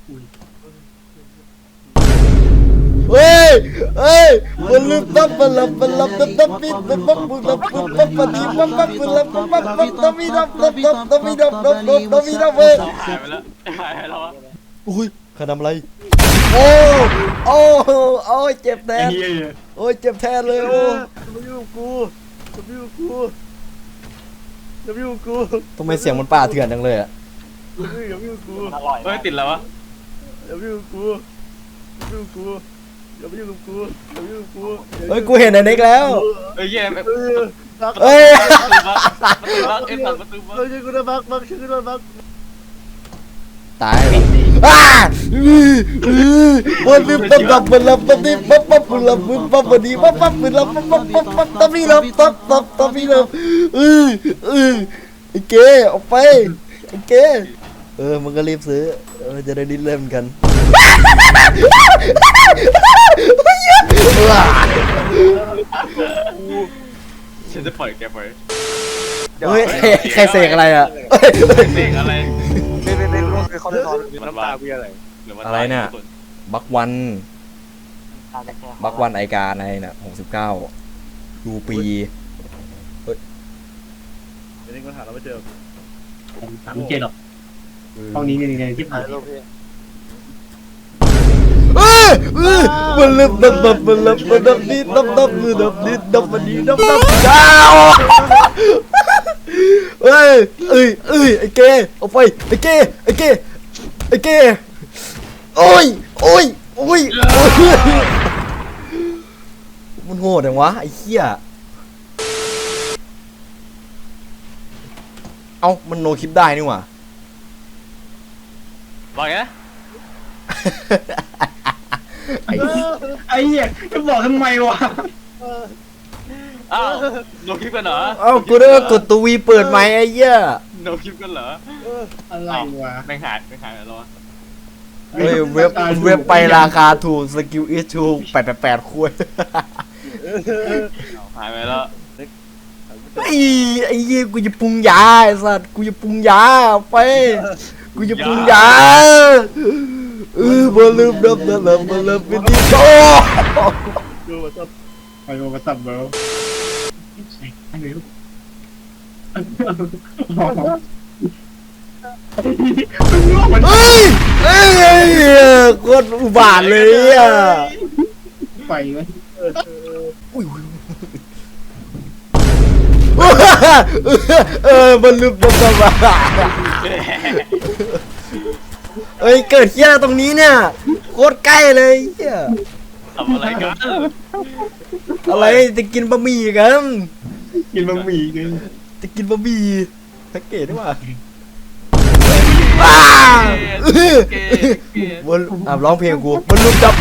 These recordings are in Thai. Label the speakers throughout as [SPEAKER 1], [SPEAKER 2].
[SPEAKER 1] เฮ้ยเฮ้ยมันลืมตับมันลับตับปิดมันปั๊บมันลับมันปั๊บมันดีปั๊บมันลับมันปั๊บตับมีดับเว้ย
[SPEAKER 2] หายไปแล้วหายไปแล้วอะ
[SPEAKER 1] อุ้ยใครทำอะไรโอ้โอ้โอ้ยเจ็บแทนโอ้ยเจ็บแทนเลยโอ้
[SPEAKER 3] จะอยู่กูจะอยู่กูจะอยู่กู
[SPEAKER 1] ทำไมเสียงมันป่าเถื่อนจังเลยอ่ะ
[SPEAKER 3] จะอยู่กู
[SPEAKER 2] อร่อยเฮ้ยติดแล้ววะ
[SPEAKER 3] จะอยู่กูจะอยู่กูจะอยู่กูจะอยู่กู
[SPEAKER 1] เฮ้ยกูเห็นไอ้เน็กแล้ว
[SPEAKER 2] เฮ้ยแย่ประตู
[SPEAKER 1] เฮ้ย
[SPEAKER 2] บักเอ็นตัดประตูบัก
[SPEAKER 3] เราจะกูจะบักชื่อกูจะบัก
[SPEAKER 1] ตายวันนี้ปั๊บมันลับวันนี้ปั๊บมันลับวันนี้ปั๊บมันลับตับมีลับตับมีลับไอ้เก๋ออกไปไอ้เก๋มึงก็รีบซื้อจะได้ดิ้นเล่นกัน
[SPEAKER 2] ฉันจะปล่อยแกไป
[SPEAKER 1] เฮ้ยใครเสกอะไรอ่ะ
[SPEAKER 2] เด็กอะไร
[SPEAKER 3] เล่นคือเขาเล่นน้ำตากูอะไร
[SPEAKER 1] อะไรเนี่ยบักวันไอกาในน่ะ69ดูปี
[SPEAKER 3] เล่นก็หาเราไม่เจอ
[SPEAKER 4] ไม่เจอหรอกห้องนี้เนี่ยที่ผ่าน
[SPEAKER 1] มันเริ่มมันเริ่มนี่ดับมือดับนี่ดับมันนี้ดับดาวเอ้ยไอ้เกเอาไปไอ้เกโอ้ยมันโหดจังวะไอ้เหี้ยเอ้ามันโนคลิปได้นี่หว่า
[SPEAKER 2] บอกไง
[SPEAKER 4] ไอ้เหี้ยจะบอกทำไมวะ
[SPEAKER 2] อ้าวโนคลิปกันเหรอ
[SPEAKER 1] เอ้ากูได้กดตัววีเปิดไหมไอ้เหี้ย
[SPEAKER 2] โนคลิปกันเหรอ
[SPEAKER 4] อะไรวะ
[SPEAKER 2] แม่งหายแล้ววะ
[SPEAKER 1] เฮ้ยเว็บไปราคาถูกสกิลอิชชู888คุย
[SPEAKER 2] หายไปแล้ว
[SPEAKER 1] ไอ้เหี้ยกูจะปรุงยาไอ้สัตว์กูจะปรุงยาไปกูจะปรุงยามาลืมดับมาลืมไปดิโต
[SPEAKER 3] ดูว่าจะ
[SPEAKER 4] ไปมาสับเบลไม่รู้
[SPEAKER 1] เฮ้ยโคตรอุบาทเลยอ่ะ
[SPEAKER 4] ไปไหม
[SPEAKER 1] มันลืมดับมาเอ้ยเกิดเหี้ยตรงนี้เนี่ยโคตรใกล้เลยเหี้ย
[SPEAKER 2] ทำอะไรกัน
[SPEAKER 1] อะไรจะกินบะหมี่กัน
[SPEAKER 4] กินบะหมี่กัน
[SPEAKER 1] จะกินบะหมี่สังเกตได้ป่ะวันร้องเพลงกูมันลุกดับ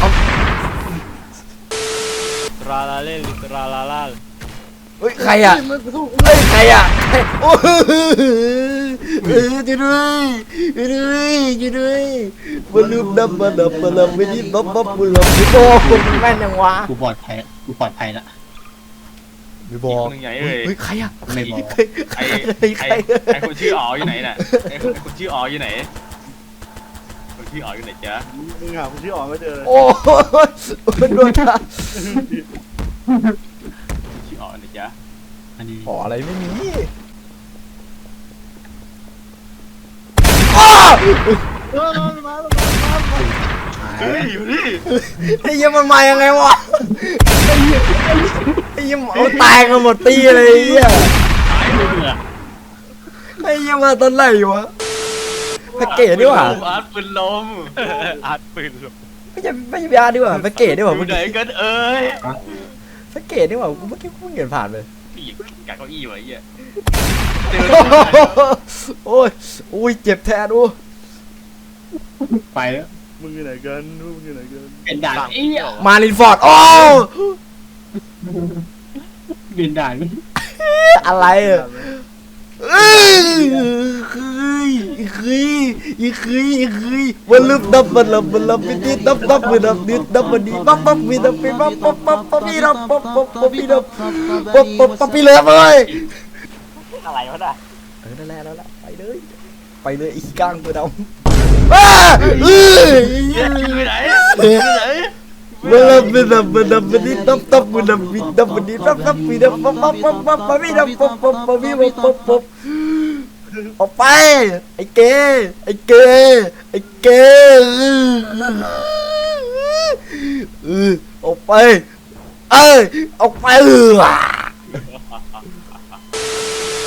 [SPEAKER 2] ตราลาเล่ตราลาลา
[SPEAKER 1] เฮ้ยใครอ่ะเฮ้ยใครอ่ะโอ้ช่วยด้วยมันลุกดับมาไม่ได้บับมันลับไม่บอกมันแม่นยังวะ
[SPEAKER 4] กูปลอดภัยละ
[SPEAKER 1] ไม่บอก
[SPEAKER 2] นึงใหญ่เลย
[SPEAKER 1] เฮ้ยใครอ่ะ
[SPEAKER 4] ไม่บอก
[SPEAKER 2] ไอ้คนชื่ออ๋ออยู่ไหนน่ะไอ้คนชื่ออ๋ออยู่ไหนคนชื่ออ๋ออยู่ไหนจ๊ะ
[SPEAKER 3] มึงหาคนที่ออกไม่เจอเลย
[SPEAKER 1] โอ้ยโดนท่า
[SPEAKER 2] ชื่ออ๋อไหนจ๊ะ
[SPEAKER 4] อันนี้
[SPEAKER 1] ขออะไรไม่มี
[SPEAKER 3] มา
[SPEAKER 2] เฮ้ยอยู่นี่
[SPEAKER 1] ไอ้ยี่มันมายังไงวะไอ้ยี่เอาตายกันหมดตีเลยไอ้ยี่
[SPEAKER 2] หายไปเลย
[SPEAKER 1] ไอ้ยี่มาตอนไหนวะแพ็กเกจดีกว่า
[SPEAKER 2] อาร์ตปืนลมอาร์ตปืนลม
[SPEAKER 1] ไม่ใช่ยาดีกว่าแพ็กเกจดีกว่า
[SPEAKER 2] อยู่ไหนกันเอ้ย
[SPEAKER 1] แพ็กเกจดีกว่ากูเมื่อกี้กูเห็นผ่านเลย
[SPEAKER 2] พี่กัดเก้าอี้ไว้เหี้ย
[SPEAKER 1] โอ้ยเจ็บแทนดู
[SPEAKER 4] ไปแล้ว
[SPEAKER 3] มึงอยู่ไหนกันมึงอยู่ไหนกัน
[SPEAKER 4] เป็นด่านเอี้ย
[SPEAKER 1] มาลินฟอร์ดโอ้
[SPEAKER 4] เป็นด่าน
[SPEAKER 1] อะไรอ่ะวันลืมดับมันลับไปดิดับมันดับดิดับมันดีปั๊บมีดับไปปั๊บมีดับมีดับมีเลย
[SPEAKER 2] อะไรวะน่ะ
[SPEAKER 1] นั่นแหละไปเลยอีกกลางตัวดำ
[SPEAKER 3] ไปไหนไปไหน
[SPEAKER 1] มันดับมันดับมันดับมันนี่ดับดับมันดับมันดับมันนี่ดับดับมันดับปั๊บปั๊บปั๊บปั๊บปั๊บดับปั๊บปั๊บปั๊บปั๊บปั๊บปั๊บออกไปไอ้เกไอ้เกไอ้เกออกไปออกไป